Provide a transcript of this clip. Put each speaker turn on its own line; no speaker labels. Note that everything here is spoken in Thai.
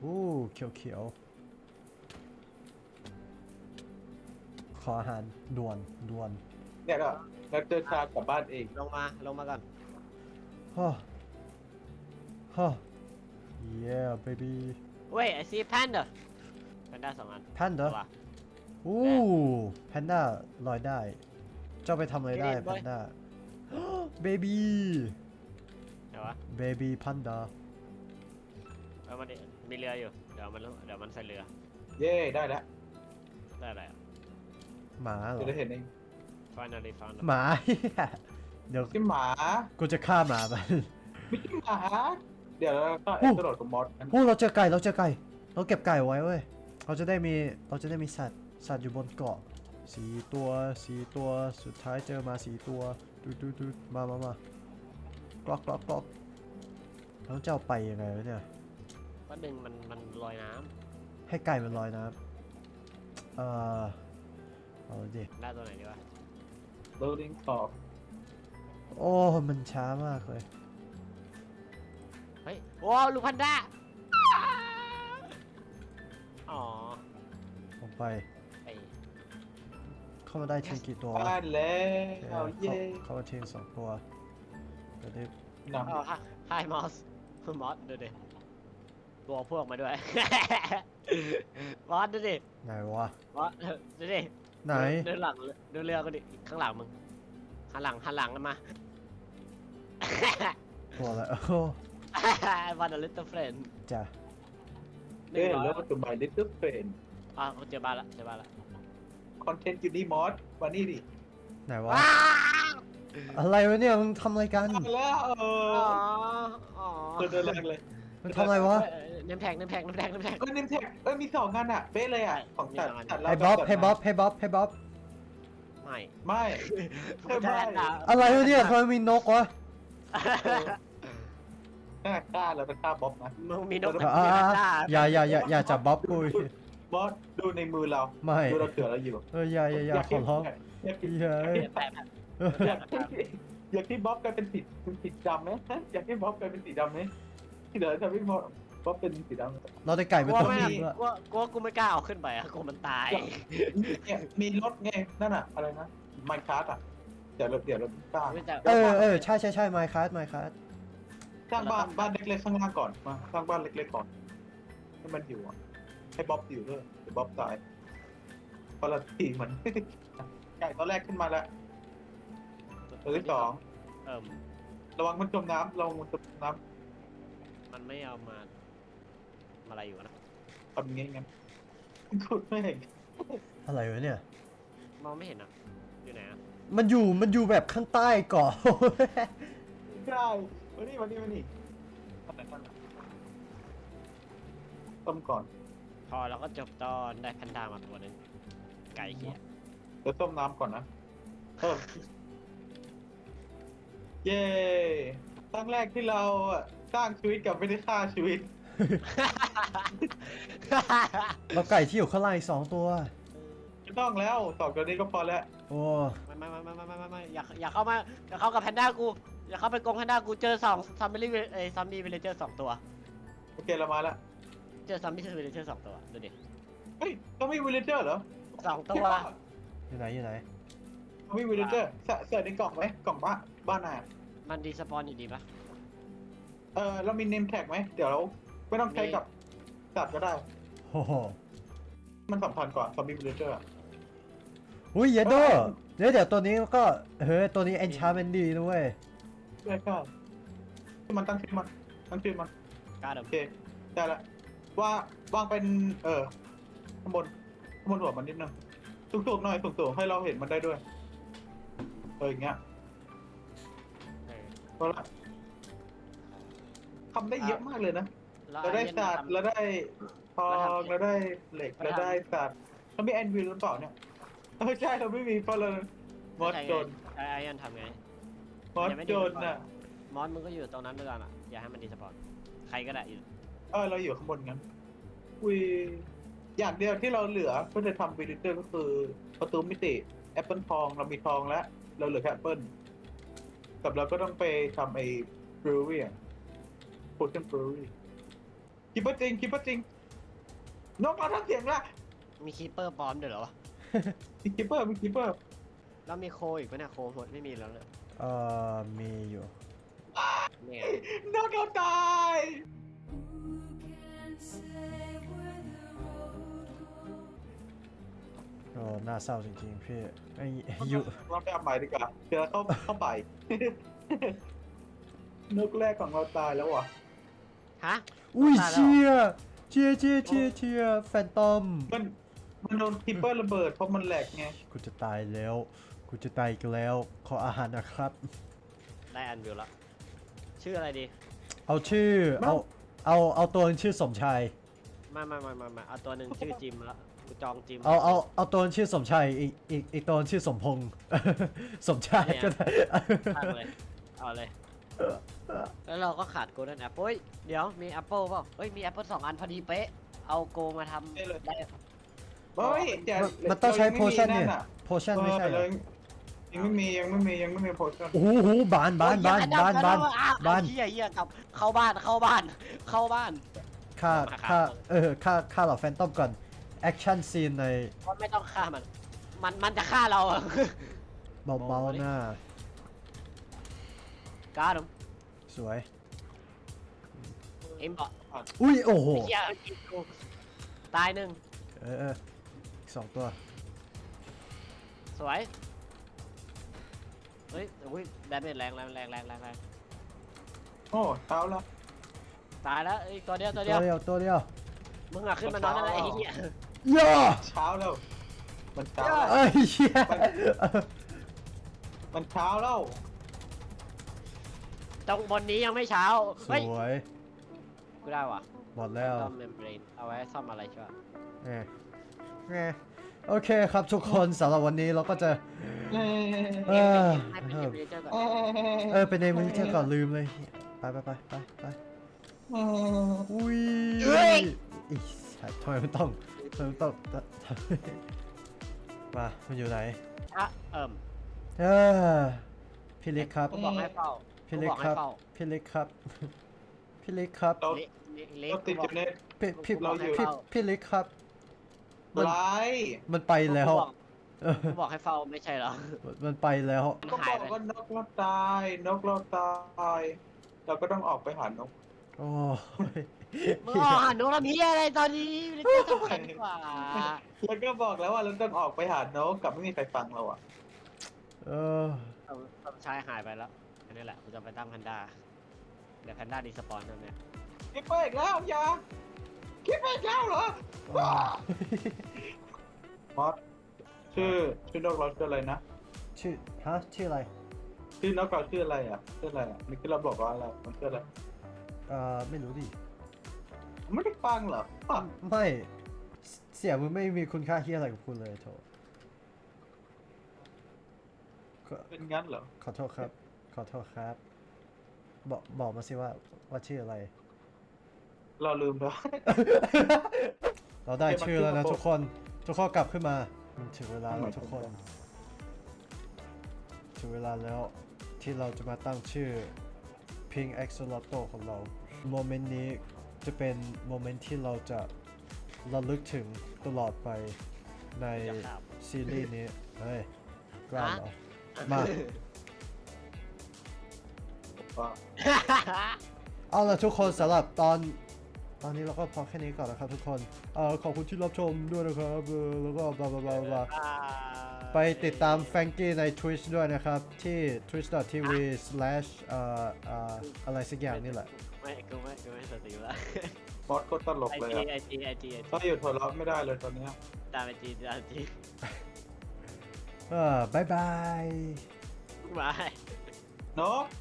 เขียวเขียวขออาหารด่วน
เนี่ยก็แล้วเดินทางกลับบ้านเอง
ลงมาก่อน
ฮ่าฮ่า yeah baby
เว้ยไอซีแพนเดอร์แพนด้า2 อัน
แพนเด้อแพนด้าลอยได้เจ้าไปทำอะไรได้แพนด้า baby
เดี๋ยววะ
baby panda
มันมีเรืออยู่เดี๋ยวมันใส่เรือ
เย่ได้แล้ว
ได้อะไรอ่ะ
หมาเหรอ
จะได้เห็นเอง
finally found
หมา เดี๋ยว
ที่หมา
กูจะฆ่าหมามัน
ไม่ใช่หมาเดี๋ยวเราก็กระโดดกับมอสกัน
เราเจอไก่เราเก็บไก่ไว้เว้ยเราจะได้มีสัตว์อยู่บนเกาะ4 ตัวสุดท้ายเจอมา4 ตัวดูมากรอกแล้วเจ้าไปยังไงวะเนี่ย
ก็ดึงมันลอยน้
ให้ไก่มันลอยน้ำเอาดิ
ำได้ตัวไหนดีวะ
loading ต่อ
โอ้มันช้ามากเลย
เฮ้ยโอ้ลูกพันด้าอ๋อ
ลงไป
ไอ
เข้ามาได้ทีกี่ตัว
บ้านแล้วเย่
เข้ามาที2 ตัวเดี๋ยวดิ
นำ
อ๋อไฮมอสดูดิตัวพวกมาด้วย มอสดูดิ
ไหนวะ
มอสดูดิ
ไหน
ดูหลังดูเรือก็ดิข้างหลังมึงหันหลังกันมา
ตัวอะไรโอ้
วันอลิตเตอร์เฟรน
จ้ะ
เย่แล้วตัวใหม่ little friend
อ่ะเจอบ้านละ
คอนเทนต์อยู่นี่มอสมานี่ดิ
ไหนวะอะไรวะเนี่ยมึงทำอะไรกัน
มาแล้ว
อ๋อ
เดินแรงเลย
มันทำอะไรวะ
เนมแท็ก
เอ้ยนิมแท็กมี2 งานอ่ะเป๊ะเลยอ่ะของจัด
ให้บ๊อบ
ไม่
เพิ่มได้
อะไรวะเนี่ยทำไมมีนกวะ
ฆ่าแล้วเป็นฆ่าบ๊อบนะ
มึงมีนก
อย่าจับบ๊อบกู
บอสดูในมือเรา
ไม่
ดูเราเถื่อเราอยู่
อย่าขอร้อง
อยาก
เฮ้ย
อยากที่บ๊อบกลายเป็นสีดำไหมอยากให้บ๊อบกลายเป็นสีดำไหมเดี๋ยวทำให้บ๊อบเป็นสีดำ
เราได้ไก่เป็นตัวจริงด้วย
กูไม่กล้าเอาขึ้นไปอ่ะกูมันตาย
เนี่ยมีรถไงนั่นอะอะไรนะไมค์คาร์ดอะเดี๋ยวเราสร้าง
ใช่ไมค์คัส
สร้างบ้านเล็กๆข้างล่างก่อนมาสร้างบ้านเล็กๆก่อนให้มันอยู่อะให้บ๊อบอยู่ด้วยเดี๋ยวบ๊อบตายพอละทีมัน ไก่ตัวแรกขึ้นมาแล้วตัวที่ 2ระวังมันจมน้ำระวังมันจมน้
มันไม่เอามาอะไรอยู่นะ
ำทำงี้งั้นขุดไม่เห็น
อะไรวะเนี่ย
มองไม่เห็นอ่ะอยู่ไหนอ่ะ
มันอยู่แบบข้างใต้เกาะ
ได้มานี่ต้มก่อน
พอเราก็จบตอนได้แพนด้ามาตัวนึงไก่เหี้ย
เดี๋ยวต้มน้ำก่อนนะเพิ่มเย้ครั้งแรกที่เราสร้างชีวิตกับไม่ได้ฆ่าชีวิต
เราไก่ที่อยู่ข้างล่างอีก2 ตัว
ไม่ต้องแล้ว2 ตัวนี้ก็พอแล้ว
โอ้
ไม่อย่าเข้ามาอย่าเข้ากับแพนด้ากูอย่าเข้าไปกรงแพนด้ากูเจอซัมบี้วิลเลเจอร์2 ตัว
โอเคเรามาแล้ว
เจอซัมบี้วิลเลเจอร์2 ตัวดูดิ
เฮ้ยต้องมีวิลเลเจอร์เหรอ
2 ตัว
อยู่ไหน
ต้องมีวิลเลเจอร์เสิร์ชในกล่องไหมกล่องบ้านน่ะ
มันดีสปอนอยู่ดีปะ
เรามีเนมแท็กไหมเดี๋ยวเราไม่ต้องใช้กับสัตว์ก็ได้
โอ้โห
มันสำคัญกว่าซอมบี้วิลเลเจอร์
อุ้ยเยโดเดี๋ยวตัวนี้ก็ตัวนี้ enchantment ดีนะเว้ย
ได้ก็มันตั้งชื่อมัน
กล้าเดิ
โอเคได้ละวางเป็นข้างบนหัวมันนิดนึงสูงๆหน่อยสูงๆให้เราเห็นมันได้ด้วยอย่างเงี้ยก็ละทำได้เยอะมากเลยนะเราได้ศาสตร์เราได้ทองเราได้เหล็กเราได้ศาสตร์เรามีแอนวิลหรือเปล่าเนี่ยใช่เราไม่มีเพราะเรามอสจน
ไอ้ยันทำไง
มอสจนน่ะ
มอสมึงก็อยู่ตรงนั้นด้วยกันอ่ะอย่าให้มันดีสปอนใครก็ได้อยู่
เราอยู่ข้างบนงั้นอย่างเดียวที่เราเหลือเพื่อจะทำวิลเลเจอร์ก็คือประตูมิติแอปเปิลทองเรามีทองแล้วเราเหลือแค่แอปเปิลกับเราก็ต้องไปทำไอ้บรูวี่อ่ะโพชั่นบรูวี่คิปเปอร์จริงคิปเปอร์จริงนกเราทำเสียงละ
มีคีเปอร์ปลอมด้วยเหรอวะ
มีคิปเปอร์มีคิปเปอร์
แล้วมีโคอีกปะเนี่ยโคหมดไม่มีแล้วเนี่ย
มีอยู่
เนี่ย
นกเราตาย
โอ้น่าเศร้าจริงๆพี่ไอ้อยู่
เราไปเอาใหม่ดีกว่าเจอเข้าไป นกแรกของเราตายแล้วว่ะ
ฮะ
อุ้ย
ตายแล้ว
เชียเชียแฟนตอม
มันโดนคิปเปอร์ระเบิดเพราะมันแหลกไง
กูจะตายแล้วกูจะตายอีกแล้วขออาหารนะครับ
ได้อันวิวแล้วชื่ออะไรดี
เอาชื่อเอาตัวนึงชื่อสมชาย
มาเอาตัวหนึ่งชื่อจิมแล้วกูจองจิม
เอาตัวนึงชื่อสมชายอีกตัวนึงชื่อสมพงษ์ สมชายก็ได้
ตั้งเลยเอาเลยแล้วเราก็ขาดโกลเด้นแอปเปิลเดี๋ยวมีแอปเปิลเปล่าเฮ้ยมีแอปเปิล2 อันพอดีเป๊ะเอาโกมาทำได้
เฮ้ยแต่
มันต้องใช้
รา
โพ
ยัง
ชั่น
ไม่มี
เนี่ย
อะ
โพชั่นไม่ใช่เหรอ
ยังไม่มีโพชั่น
โอ้โหบาน
โอ้ยอย่าดับ้านเฮียกลับเข้าบ้าน
ค่า
มา
ค่า
ครับ
ค่าเหล่าแฟนตอมก่อนแอคชั่นซีนใน
ว่าไม่ต้องฆ่ามันจะฆ่าเราอะ
เบาๆหน้า
การ์ด
สวย
เอ็มบอก
อุ้ยโอ้โห
เฮียกินกูตายหนึ่ง
อีก2 ตัว
สวยเฮ้ยอุ้ยดาเมจแรง
โอ้เท้าแล้ว
ตายแล้วอีกตัวเดียว
ตัวเดียว
มึงอะขึ้นมานอนนั่นแหละไอ้เหี้ย
ย่อ
เช้าแล้วมันเช้า
เอ้ยเชี่ย
มันเช้าแล้ว
ตรงบนนี้ยังไม่เช้า
ส
เฮ้ย
วย
กูได้ว่ะ
หมดแล้ว
ซ่อมเมมเบรนเอาไว้ซ่อมอะไรใช่ปะ
ไงโอเคครับทุกคนสำหรับวันนี้เราก็จะเออ
ให้เป็นเมมเบรนเจอร์ก่อน
ไปในมือเที่ยวก่อนลืมเลยไปอุ้ยอีสัตว์ทำไมมันต้องมามันอยู่ไหน
อ่ะ
เออพี่เล็กครับ
กูบอกให้เฝ้า
พี่เล็กครับพี่เล็กครับพี่เล็กครับ
เรา
เล็ก
เราติดอยู่ใน
พี่เล็กครับ
ไล
มันไปแล้ว
กูบอกให้เฝ้าไม่ใช่เหรอ
มันไปแล้ว
ก็บอกว่านกเราตายเราก็ต้องออกไปหานก
โอ้ย
มึงอ๋อหันนกละเพี้ยอะไรตอนนี้ไม่ได้สำคัญกว่า
แล้วก็บอกแล้วว่าเราต้องออกไปหานกกับไม่มีใครฟังเราอ่ะ
เออ
สมชายหายไปแล้วอันนี้แหละกูจะไปตั้งแพนด้าเดี๋ยวแพนด้าดีสปอนนั่นเนี่ย
คิดไปอีกแล้วอย่าคิดไปอีกแล้วเหรอมอสชื่อนกเราชื่ออะไรนะ
ชื่ออะไร
ชื่อนกเราชื่ออะไรอ่ะนี่คือเราบอกว่าอะไรมันชื่ออะไร
ไม่รู้ดิ
ไม่ได้ฟังเหรอ
ไม่เสียงมึงไม่มีคุณค่าเฮียอะไรกับคุณเลยโถ
เป็นงั้นเหรอ
ขอโทษครับ บอกมาสิว่าชื่ออะไร
เราลืมแล้ว
เราได้ชื่อแล้วนะทุกคนกลับขึ้นมามันถึงเวลาแล้วทุกคน ถึงเวลาแล้วที่เราจะมาตั้งชื่อ Pink Axolotl ของเรา โมเมนต์นี้จะเป็นโมเมนต์ที่เราจะระลึกถึงตลอดไปในซีรีส์นี้ เฮ้ยกล้าเหรอ มา เอาล่ะทุกคนสำหรับตอนนี้เราก็พอแค่นี้ก่อนนะครับทุกคนขอบคุณที่รับชมด้วยนะครับแล้วก็บลาบลาไปติดตามแฟรงกี้ใน Twitch ด้วยนะครับ ที่ twitch.tv/ อะไรสักอย่างนี่แหละ
กูไม่สติแล้ว
มอสโคตรตลกเลย
ไอ
อ่ะ
จี
ถ้าอยู่หัวเราะไม่ได้เลยตอนนี้
ตามไอจี
บายบาย
บาย
นก